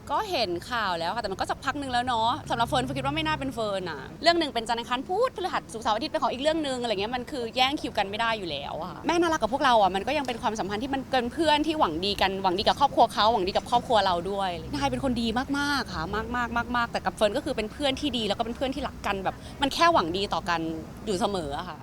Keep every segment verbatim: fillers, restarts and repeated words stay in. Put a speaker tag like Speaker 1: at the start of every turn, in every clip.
Speaker 1: ก็เห็นข่าวแล้วค่ะแต่มันก็สักพักหนึ่งแล้วเนาะสำหรับเฟิร์นเฟิร์นคิดว่าไม่น่าเป็นเฟิร์นอะเรื่องหนึ่งเป็นจันทร์อังคารพุธพฤหัสศุกร์เสาร์อาทิตย์เป็นของอีกเรื่องนึงอะไรเงี้ยมันคือแย่งคิวกันไม่ได้อยู่แล้วอะแม่น่ารักกับพวกเราอะมันก็ยังเป็นความสัมพันธ์ที่มันเกินเพื่อนที่หวังดีกันหวังดีกับครอบครัวเขาหวังดีกับครอบครัวเราด้วยนายเป็นคนดีมากๆค่ะมากๆมากๆแต่กับเฟิร์นก็คือเป็นเพื่อนที่ดีแล้วก็เป็นเพื่อนที่รักกันแบบมันแค่หวังดีต่อกันอยู่เสมออะค่ะ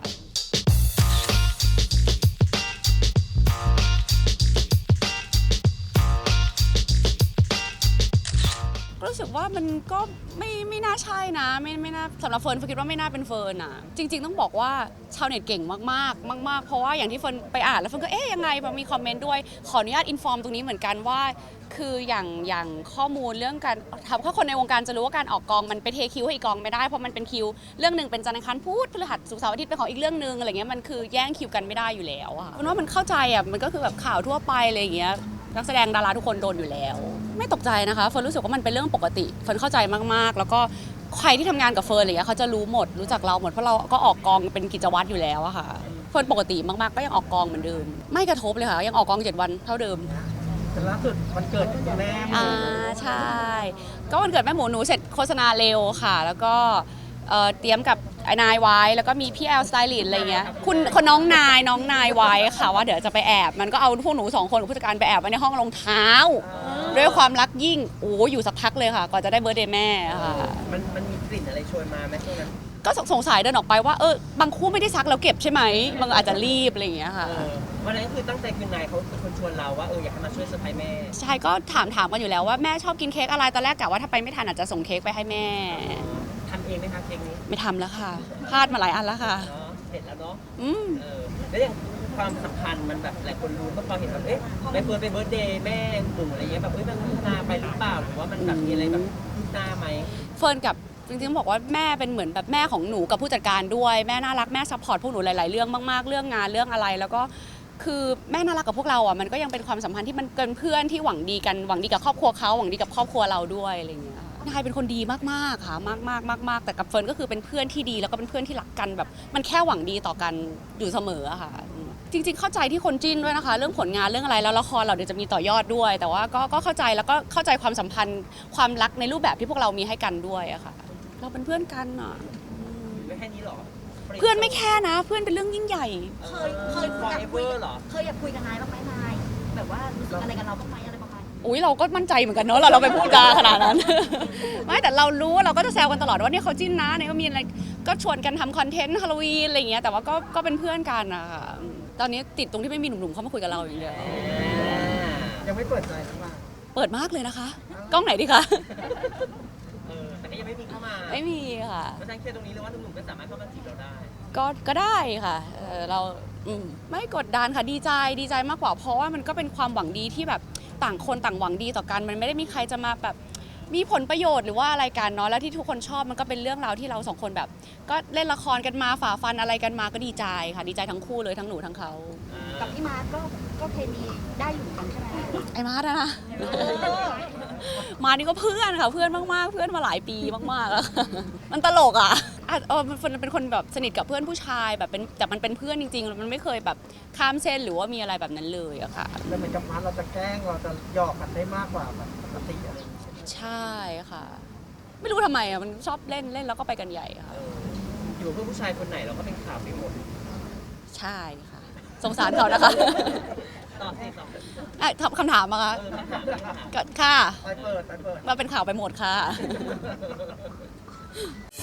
Speaker 1: รู้สึกว่ามันก็ไม่ไม่น่าใช่นะไม่ไม่น่าสำหรับเฟิร์นเฟิร์นคิดว่าไม่น่าเป็นเฟิร์นอ่ะจริงๆต้องบอกว่าชาวเน็ตเก่งมากๆมากๆเพราะว่าอย่างที่เฟิร์นไปอ่านแล้วเฟิร์นก็เอ๊ะยังไงพอมีคอมเมนต์ด้วยขออนุญาตอินฟอร์มตรงนี้เหมือนกันว่าคืออย่างอย่างข้อมูลเรื่องการทำถ้าคนในวงการจะรู้ว่าการออกกองมันไปเทคิวให้อีกกองไม่ได้เพราะมันเป็นคิวเรื่องหนึ่งเป็นจันทร์อังคารพุธพฤหัสศุกร์เสาร์อาทิตย์เป็นของอีกเรื่องนึงอะไรเงี้ยมันคือแย่งคิวกันไม่ได้อยู่แล้วอะเพราะว่ามันเข้าใจอะมันก็คือแบบข่าวทั่วไปอะไรอย่างเงี้ยนักแสดงดาราทุกคนโดนอยู่แล้วไม่ตกใจนะคะเฟิร์นรู้สึกว่ามันเป็นเรื่องปกติเฟิร์นเข้าใจมากๆแล้วก็ใครที่ทำงานกับเฟิร์นอะไรเงี้ยเขาจะรู้หมดรู้จักเราหมดเพราะเราก็ออกกองเป็นกิจวัตรอยู่แล้วอะค่ะเฟิร์นปกติมากๆก็ยังออกกองเหมือนเดิมไม่กระทบเลยค่ะยังออกกองเจ็ดวันเท่าเดิม
Speaker 2: แต่ล่าสุดวันเกิดคุณแม่
Speaker 1: อ่าใช่ก็วันเกิดแม่หมูหนูเสร็จโฆษณาเร็วค่ะแล้วก็เตรียมกับไอ้นายไว้แล้วก็มีพี่แอลสไตลิสต์อะไรเงี้ยคุณคนน้องนายน้องนายไว้ค่ะว่าเดี๋ยวจะไปแอบมันก็เอาพวกหนูสองคนกับผู้จัดการไปแอบไว้ในห้องรองเท้าด้วยความรักยิ่งโอ้อยู่สักพักเลยค่ะก่อนจะได้เบิร์ธเดย์แม่ค่ะ
Speaker 2: มันมันมีกลิ่นอะไรชวนมาไหมช่วงนั้น
Speaker 1: ก็สงสัยเดินออกไปว่าเออบางคู่ไม่ได้ซักแล้วเก็บใช่ไหมบางอาจจะรีบอะไรอย่างเงี้ยค่ะ
Speaker 2: วันนั้นคือตั้งใจคือนายเขาเป็นคนชวนเราว่าเอออยากให้มาช่วยเซอร์ไพรส์แม่
Speaker 1: ใช่ก็ถามถามกันอยู่แล้วว่าแม่ชอบกินเค้กอะไรตอนแรกกะว่าถ้าไปไม่ทันอาจจะส่งเค้กไปให้แม่
Speaker 2: ทำเองไหมคะเค้กนี้
Speaker 1: ไม่ทำแล้วค่ะพลาดมาหลายอันแล้วค่ะ
Speaker 2: เสร็จแล้วเนาะ
Speaker 1: อืม
Speaker 2: เออแล้วอย่างความสัมพันธ์มันแบบหลายคนรู้ก็พอเห็นแบบเอ๊ะไปเฟิร์นไปเบิร์ธเดย์แม่หนูอะไรเงี้ยแบบเฮ้ยมันพัฒนาไปหรือเปล่าหรือว่ามันแบบมีอะไรแบบคืบหน้าไหม
Speaker 1: เฟิร์นกับจริงๆบอกว่าแม่เป็นเหมือนแบบแม่ของหนูกับผู้จัดการด้วยแม่น่ารักแม่ซัพพอร์ตพวกหนูหลายๆเรื่องมากๆเรื่องงานเรื่องอะไรแล้วก็คือแม่น่ารักกับพวกเราอ่ะมันก็ยังเป็นความสัมพันธ์ที่มันเกินเพื่อนที่หวังดีกันหวังดีกับครอบครัวเขาหวังดีกับครอบครัวเราด้วยอะไรอย่างเงี้ยนายเป็นคนดีมากๆค่ะมากๆมากๆแต่กับเฟิร์นก็คือเป็นเพื่อนที่ดีแล้วก็เป็นเพื่อนที่รักกันแบบมันแค่หวังดีต่อกันอยู่เสมออะค่ะจริงๆเข้าใจที่คนจิ้นด้วยนะคะเรื่องผลงานเรื่องอะไรแล้วละครเราเดี๋ยวจะมีต่อยอดด้วย แต่ว่าก็ก็เข้าใจแล้วก็เข้าใจความสัมพันธ์ความรักในรูปแบบที่พวกเรามีให้กันด้วยอะค่ะเราเป็นเพื่อนกันอะ
Speaker 2: ไม่แค่นี้หรอ
Speaker 1: เพื่อนไม่แค่นะเพื่อนเป็นเรื่องยิ่งใหญ่
Speaker 3: เคยเคยอยากคุยเหรอเคยอยากคุยกับนายบ้างไหมนายแบบว่ารู้สึกอะไรกับเราบ้างไหมอะไรประมาณ
Speaker 1: อุ้ยเราก็มั่นใจเหมือนกันเนอะเราเราไปพูดจาขนาดนั้นไม่แต่เรารู้เราก็จะแซวกันตลอดว่าเนี่ยเขาจิ้นนะเนี่ยก็มีอะไรก็ชวนกันทำคอนเทนต์ฮาโลวีนอะไรอย่างเงี้ยแต่ว่าก็ก็เป็นเพื่อนกันนะคะตอนนี้ติดตรงที่ไม่มีหนุ่มๆเข้ามาคุยกับเราอย่างเดียว
Speaker 2: ยังไม่เปิดใจหรือเปล่า
Speaker 1: เปิดมากเลยนะคะกล้องไหนดีคะ
Speaker 2: เออแต่ก็ยังไม่มีเข้ามา
Speaker 1: ไม่มีค่ะ
Speaker 2: เพราะฉะนั้นเคลียร์ตรงนี้เลยว่าหนุ่มๆก็สามารถเข้ามาจีบเราได้
Speaker 1: ก็ก็ได้ค่ะเออเราอืมไม่กดดันค่ะดีใจดีใจมากกว่าเพราะว่ามันก็เป็นความหวังดีที่แบบต่างคนต่างหวังดีต่อกันมันไม่ได้มีใครจะมาแบบมีผลประโยชน์หรือว่าอะไรกันเนาะแล้วที่ทุกคนชอบมันก็เป็นเรื่องราวที่เราสองคนแบบก็เล่นละครกันมาฝ่าฟันอะไรกันมาก็ดีใจค่ะดีใจทั้งคู่เลยทั้งหนูทั้งเขา
Speaker 3: กับพี่มาร์ก็ก็เคมีได้อยู่กันใช่ไหม
Speaker 1: ไอ้มาร์นะมานี่ก็เพื่อนค่ะเพื่อนมากๆเพื่อนมาหลายปีมากๆแล้วมันตลกอ่ะเออมันเป็นคนแบบสนิทกับเพื่อนผู้ชายแบบเป็นแต่มันเป็นเพื่อนจริงๆมันไม่เคยแบบข้ามเส้นหรือว่ามีอะไรแบบนั้นเลยอะค่ะ
Speaker 2: แล้วเหมือนกับมาร์เราจะแกล้งเราจะหยอกกันได้มากกว่าแบบปกติอะไร
Speaker 1: ใช่ค่ะไม่รู้ทำไมอ่ะมันชอบเล่นเล่นแล้วก็ไปกันใหญ่ค่ะ
Speaker 2: อยู่เพื่อผู้ชายคนไหนเราก็เป็นข่าวไปหมด
Speaker 1: ใช่ค่ะสงสารเขานะคะ
Speaker 2: ตอบสิต
Speaker 1: อบคำถามมาคะค่ะ
Speaker 2: ไปเปิดไปเปิด
Speaker 1: มาเป็นข่าวไปหมดค่ะ